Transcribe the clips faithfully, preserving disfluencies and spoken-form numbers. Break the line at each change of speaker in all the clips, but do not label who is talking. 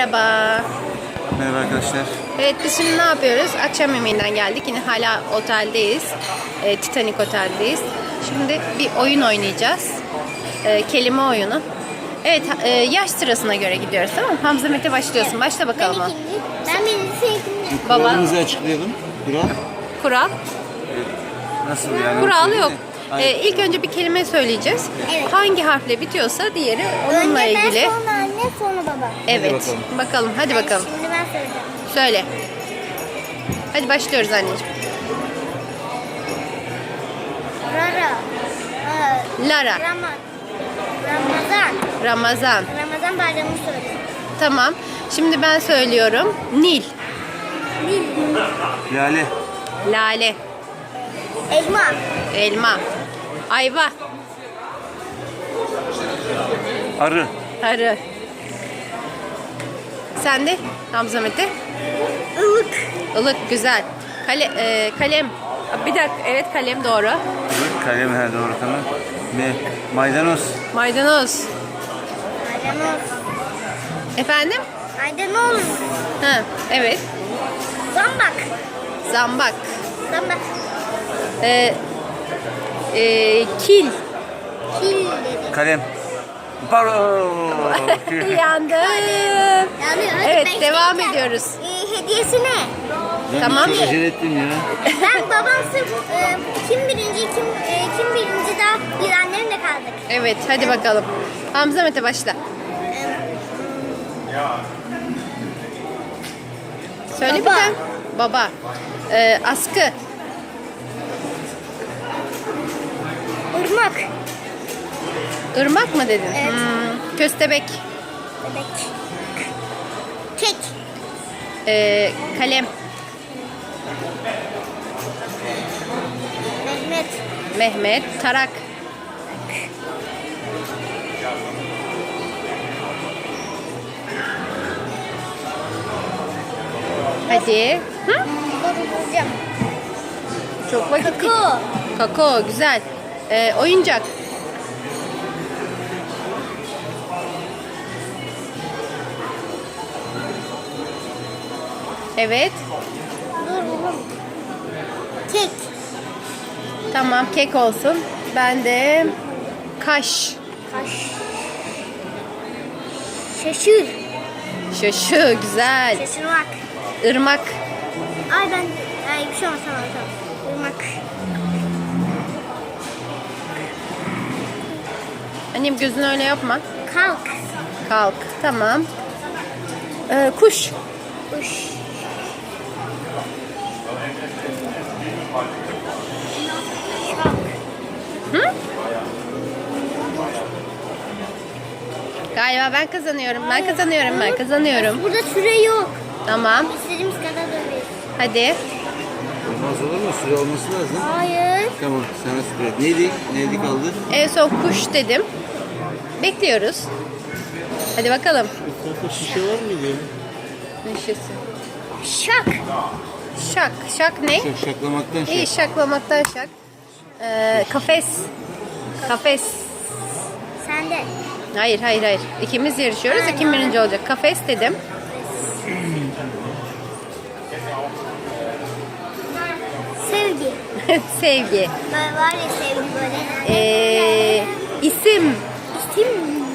Merhaba.
Merhaba arkadaşlar.
Evet, biz şimdi ne yapıyoruz? Akşam yemeğinden geldik. Yine hala oteldeyiz. E, Titanic Otel'deyiz. Şimdi bir oyun oynayacağız. E, kelime oyunu. Evet, e, yaş sırasına göre gidiyoruz, tamam mı? Hamza Mete başlıyorsun. Başla bakalım.
Ben ikinci. Ben birinci, sen ikinci.
Baba.
Kuralımızı açıklayalım. Kural.
Kural.
Nasıl yani?
Kural
Söyle
yok.
mi?
E,
Hayır.
ilk önce bir kelime söyleyeceğiz.
Evet.
Hangi harfle bitiyorsa diğeri onunla
Önce
ilgili.
ben, sonra anne, sonra baba.
Evet.
bakalım.
Bakalım. Hadi bakalım.
Şimdi ben söyleyeceğim.
Söyle. Hadi başlıyoruz anneciğim.
Rara. Aa,
Lara.
Rama, Ramazan.
Ramazan.
Ramazan bayramını söyle.
Tamam. Şimdi ben söylüyorum. Nil.
Nil.
Lale.
Lale.
Elma.
Elma. Ayva.
Arı.
Arı. Sen de Hamza Mete.
Ilık.
Ilık, güzel. Kale, e, kalem. Bir dakika. Evet, kalem doğru.
Arı. Kalem he doğru tamam. Ne? Maydanoz.
Maydanoz.
Maydanoz.
Efendim?
Maydanoz.
Ha, evet.
Zambak.
Zambak.
Zambak.
E, e, kil.
Kil dedi.
Kalem. Pardon.
Yandım.
Yani hadi
Evet,
ben
devam
söyleyeceğim.
ediyoruz.
Ee, hediyesi ne?
Ben
Tamam.
çok acele ettim ya.
Ben babam sırf e, kim birinci kim e, kim birinci daha biz annemle kaldık.
Evet, hadi bakalım. Hamza Mete başla. Söyle bir
Baba.
tane. Baba. Ee, askı.
Irmak.
Irmak mı dedin?
Evet.
Hmm, köstebek.
Bebek. Kek.
Ee, kalem.
Mehmet.
Mehmet. Tarak. Hadi. Hı?
Dur bulacağım.
Çok vakit.
Kakao.
Kakao. Güzel. Ee, oyuncak. Evet.
Dur buldum. Kek.
Tamam, kek olsun. Ben de kaş.
Kaş. Şaşır.
Şaşı. Güzel.
Şaşırmak.
Irmak.
Ay ben ay bir şey olmaz tamam tamam. Irmak.
Annem gözünü öyle yapma.
Kalk.
Kalk. Tamam. Ee, kuş.
Kuş. Şak.
Hı? Galiba ben kazanıyorum. Ben kazanıyorum. Ben kazanıyorum.
Burada süre yok.
Tamam.
İstediğimiz kadar dönüyoruz.
Hadi.
Olmaz olur mu? Süre olması lazım.
Hayır.
Tamam sana süre. Neydi? Neydi kaldı?
En son kuş dedim. Bekliyoruz. Hadi bakalım.
Etrafta şişe var mıydı?
Neşesi.
Şak.
Şak. Şak ne?
Şak şaklamaktan şey.
İyi, şaklamaktan şak. Ee, kafes. Kafes.
Sen de.
Hayır, hayır, hayır. İkimiz yarışıyoruz.
Aynen.
Kim birinci olacak? Kafes dedim.
Sevgi.
Sevgi.
Böyle var ya sevgi böyle.
Ee, isim.
İsim.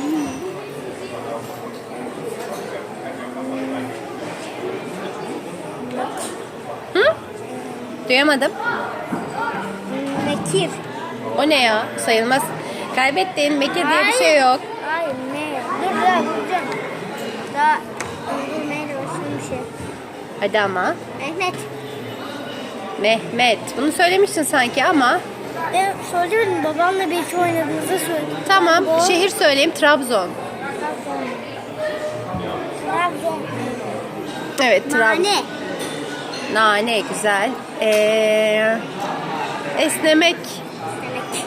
Hı? Duyamadım.
Bekir.
O ne ya? Sayılmaz. Kaybettin. Bekir diye bir şey yok.
Hayır ne? Dur daha bulacağım. Daha dur neyle başlayayım bir şey.
Hadi ama.
Mehmet.
Mehmet. Bunu söylemiştin sanki ama.
Ben soracağım babamla birlikte oynadığınızda söyledim.
Tamam.
Bu-
Şehir söyleyeyim. Trabzon.
Trabzon. Trabzon.
Evet. Trabzon.
Nane.
Nane. Güzel. Ee, esnemek.
Demek.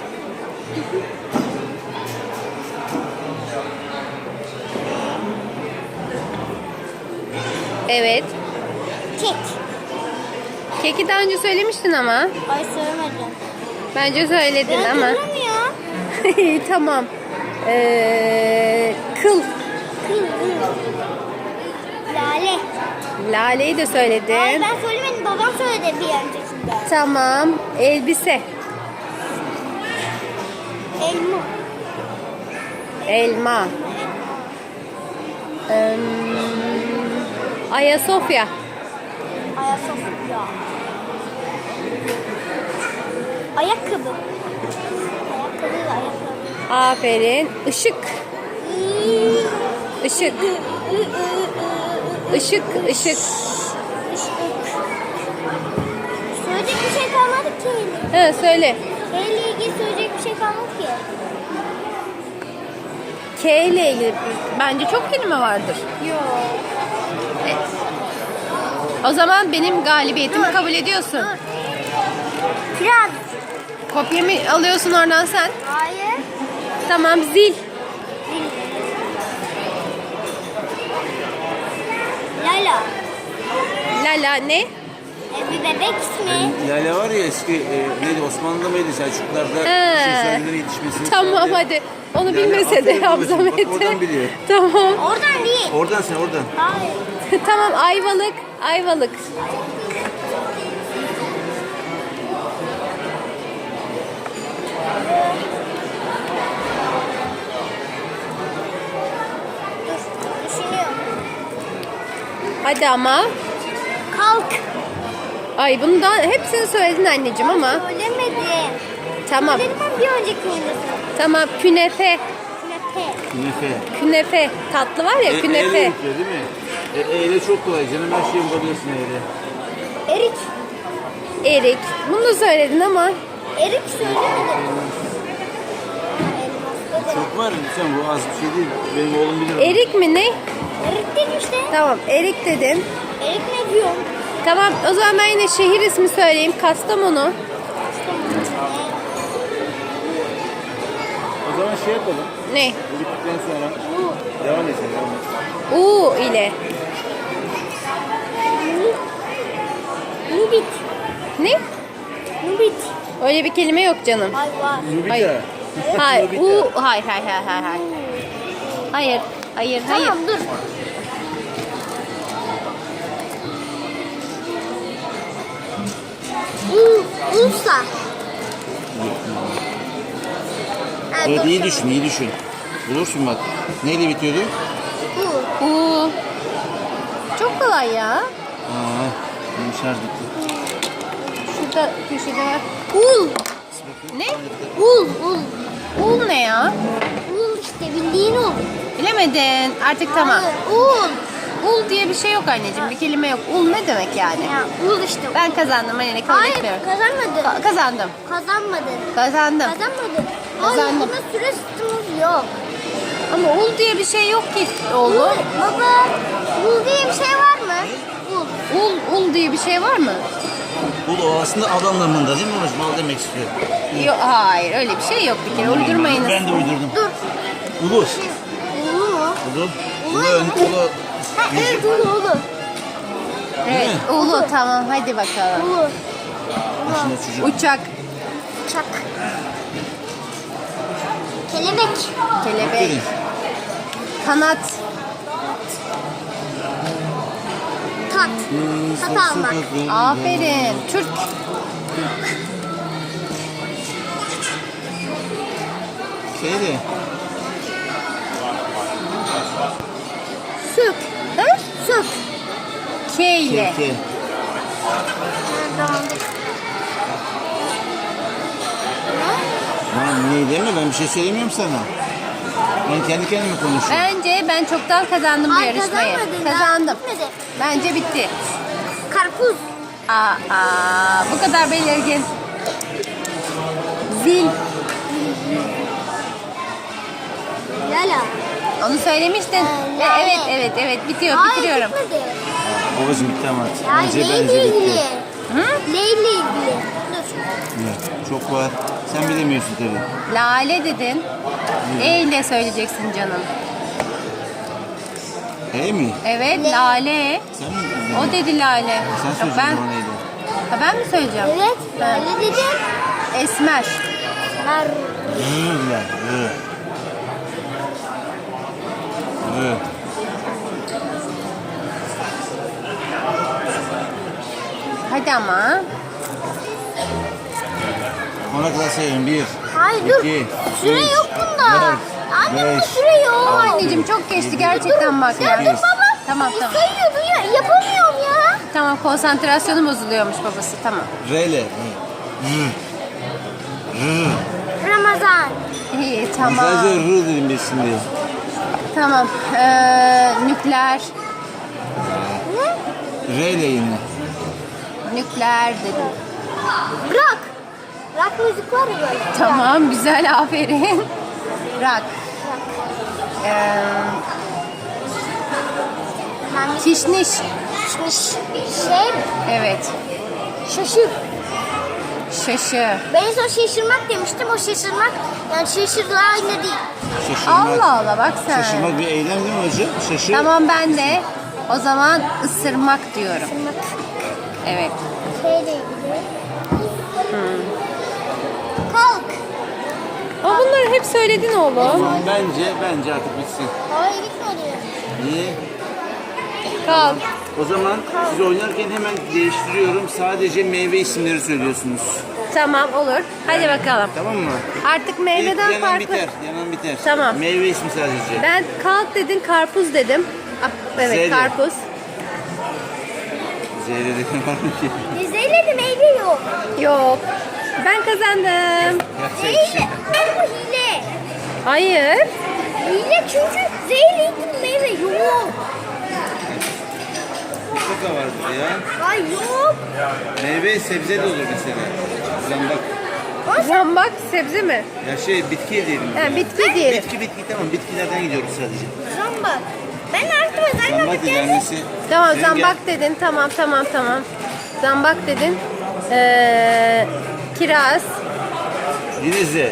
Evet.
Kek.
Keki daha önce söylemiştin ama.
Ay söylemedim.
Bence söyledin
Ben
ama.
duramıyor.
İyi, tamam. Ee, kıl.
Kıl. Lale.
Lale'yi de
Hayır
söyledin.
ben söylemedim. Babam söyledi bir öncekinde.
Tamam. Elbise.
Elma.
Elma. Ee, Ayasofya.
Ayasofya. Ayakkabı. Ayakkabı ve ayakkabı.
Aferin. Işık. Işık. Işık. Işık.
Söyleyecek bir şey kalmadı ki.
Ha, söyle.
Neyle ilgili söyleyecek bir şey kalmadı ki.
K ile ilgili bence çok kelime vardır.
Yok.
O zaman benim galibiyetimi kabul ediyorsun.
Biraz.
Kopya mı alıyorsun oradan sen?
Hayır.
Tamam, zil.
Lala.
Lala ne?
E, bir bebek ismi.
Lale var ya eski e, neydi Osmanlı'da mıydı Selçuklularda
He.
şey söylenir yetişmesini.
Tamam
sağlayan.
hadi. Onu
Lale,
bilmese de
aferin
Hamza
babacığım, bak
Mete.
oradan biliyor.
Tamam.
Oradan değil.
Oradan sen oradan.
Hayır.
Tamam, Ayvalık. Ayvalık.
Dur. Düşünüyorum.
Hadi ama.
Kalk.
Ay bunu da hepsini söyledin anneciğim ama.
Söylemedim.
Tamam.
Söyledim ben bir önceki oyunda.
Tamam, künefe.
Künefe.
Künefe.
Künefe. Tatlı var ya,
E,
künefe.
eyle bitiyor değil mi? E, eyle çok kolay canım her şeyi bulabilirsin eyle.
Erik.
Erik. Bunu da söyledin ama.
Erik söylemedim. Elmas dedim.
Çok var sen bu az bir şey değil. Benim oğlum bilir. onu.
Erik mi ne?
Erik dedim işte.
Tamam, erik dedin.
Erik ne diyorum?
Tamam, o zaman ben yine şehir ismi söyleyeyim. Kastamonu.
O zaman şey yapalım.
Ne?
Bu bittikten sonra devam edelim. Devam edelim.
U ile.
Nubit.
Ne?
Nubit.
Öyle bir kelime yok canım.
Ay var.
Nubita.
Hayır. Hayır.
Nubita.
U. Hayır, hayır, hayır, hayır. Hayır. Hayır. Hayır, hayır.
Tamam dur. U, Ulsa. Ha,
Evet
dur.
iyi düşün iyi düşün. Bulursun bak. Neyle bitiyordu?
U.
U. Çok kolay ya.
Aa, benim şarj bitti.
Şurada köşede var.
Ul.
Ne?
Ul. Ul.
Ul ne ya?
Ul işte bildiğin ul.
Bilemedin. Artık tamam.
Hayır, ul.
Ul diye bir şey yok anneciğim. Bir kelime yok. Ul ne demek yani?
Ya ul işte.
Ben kazandım. Hani kabul
Hayır
etmiyorum.
kazanmadın.
Ka- kazandım.
Kazanmadın.
Kazandım.
Kazanmadın. Hayır
Kazandım.
buna süre sütümüz yok.
Ama ul diye bir şey yok ki
Ul.
oğlum.
Baba. Ul diye bir şey var mı? Ul.
Ul, ul diye bir şey var mı?
Bu da aslında ad anlamında değil mi babacığım? Mal demek istiyor.
Yok, hayır öyle bir şey yok bir kere. Uydurmayınız.
Ben de uydurdum.
Dur.
Ulus.
Ulu mu?
Ulu.
Ulu.
Ulu. ön- Ulu.
Ha, evet ulu ulu.
Evet,
mi?
ulu tamam hadi bakalım.
Ulu.
Şimdi çocuk.
Uçak,
Çak. Kelebek.
kelebek,
Aferin.
kanat,
Tat. Tat almak.
aferin, Türk,
Şeydi.
Süt.
ha?
Süt.
K ile.
Keke.
Tamam.
Lan ne deme ben bir şey söylemiyorum sana. Ben kendi kendime konuşuyorum.
Bence ben çoktan kazandım bu
Hayır,
yarışmayı.
kazanmadın. Daha
Kazandım.
bitmedi.
Bence bitti.
Karpuz.
Aa, aa, bu kadar belirgin. Zil.
Lala.
Onu söylemiştin.
Ee,
E,
lale.
evet, evet, evet. Bitiyor,
Hayır
bitiriyorum.
bitmedi.
Babacığım bitti ama artık.
Ya
Bence
neyle
bence
ilgili?
bitti.
Hı?
Neyle ilgili? Dur.
Evet, çok var. Sen bilemiyorsun tabii.
Lale dedin. E ile söyleyeceksin canım.
Hey mi?
Evet, lale.
Sen mi bildin?
O dedi lale.
Sen
Yok,
söyleyeceksin
ben,
bana neydi?
ha, ben mi söyleyeceğim?
Evet.
Ben.
Öyle dedim.
Esmer.
Ver.
Hı lan. Hı. Hı.
Hadi ama.
Ona kadar sayıyorum. Bir,
Hayır dur.
iki,
Süre
üç,
yok bunda.
dört,
Anne bunda
beş,
süre yok.
Anneciğim çok geçti gerçekten bak
Ya
ya.
dur baba.
Tamam tamam.
Sayıyordu ya. Yapamıyorum ya.
Tamam konsantrasyonu bozuluyormuş babası. Tamam.
R ile.
Ramazan.
İyi tamam.
Sadece R dedim biz şimdi.
Tamam. Ee, nükleer.
R ile yine.
Nükleer dedim.
Rock. Rock müzik var ya böyle.
Tamam güzel aferin. Rock. Ee,
Ben
kişniş.
şey
Evet.
şaşır.
Şaşı.
Ben en son şaşırmak demiştim. O şaşırmak yani şaşırla aynı değil.
Şaşırmak.
Allah Allah bak sen.
Şaşırmak bir eylem değil mi hocam? Şaşır.
Tamam ben de o zaman ısırmak diyorum.
Şaşırmak
Evet.
şeyle ilgili. Hmm. Kalk.
Ama bunları hep söyledin oğlum.
Bence, bence artık bitsin.
Hayır gitmedi.
Niye?
Kalk.
O zaman siz oynarken hemen değiştiriyorum. Sadece meyve isimleri söylüyorsunuz.
Tamam olur. Hadi bakalım.
Tamam mı?
Artık
İlk
meyveden
yanan
farklı.
biter. Yanan biter.
Tamam.
Meyve ismi sadece.
Ben kalk dedin karpuz dedim. Ah, evet
Zeyle.
karpuz.
Zehre var mı ki?
Zeyle meyve yok.
Yok. Ben kazandım.
Zeyle. Bu hile.
Hayır.
Hile çünkü zeyle meyve yok.
Mutlaka vardır ya.
Hayır yok.
Meyve sebze de olur mesela. Zambak.
Zambak sebze mi?
Ya şey bitki diyelim.
Ha, bitki diyelim.
Bitki bitki tamam. Bitkilerden gidiyoruz sadece.
Zambak. Ben artık zambak
Zambak ilerlemesi.
Tamam
Rengel.
zambak dedin. Tamam tamam tamam. Zambak dedin. Ee, kiraz.
Yine Z.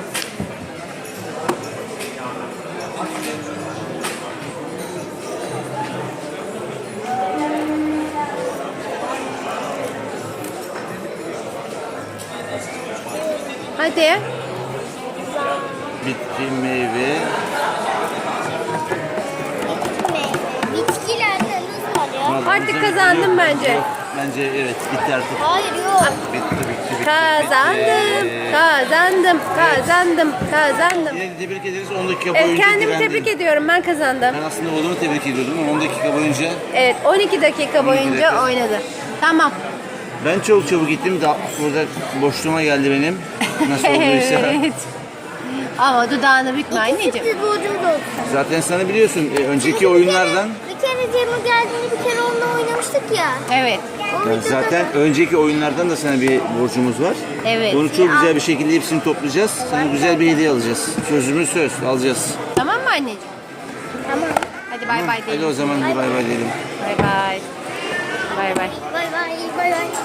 Hadi.
Bitki, meyve.
Bitkilerde nasıl var ya?
Vallahi
Artık
güzel,
kazandım
güzel.
bence.
Yok, bence evet bitti artık.
Hayır yok.
Bitti bitti bitti.
Kazandım.
bitti.
Kazandım. Kazandım. Kazandım.
Yine de tebrik ederiz. on dakika
Evet,
boyunca
kendimi
direndin.
tebrik ediyorum. Ben kazandım.
Ben aslında oğlumu tebrik ediyordum ama on dakika boyunca
Evet on iki dakika boyunca
dakika.
oynadı. Tamam.
ben çok çabuk gittim. Da burada boşluğuma geldi benim. Nasıl olduysa.
Evet. Ama dudağını bükme anneciğim.
Sürpriz borcumuz oldu.
Zaten sana biliyorsun e, önceki oyunlardan
Bir kere Cem'e geldiğinde bir kere onunla oynamıştık ya.
Evet.
O
yani
videoda
zaten önceki oyunlardan da sana bir borcumuz var.
Evet.
Onu çok güzel bir şekilde hepsini toplayacağız. Sana güzel bir hediye alacağız. Sözümüz söz alacağız.
Tamam mı anneciğim?
Tamam.
Hadi bay bay
Hadi o
diyelim.
zaman bir bay bay diyelim.
Bay bay. Bay bay.
Bay bay bay bay.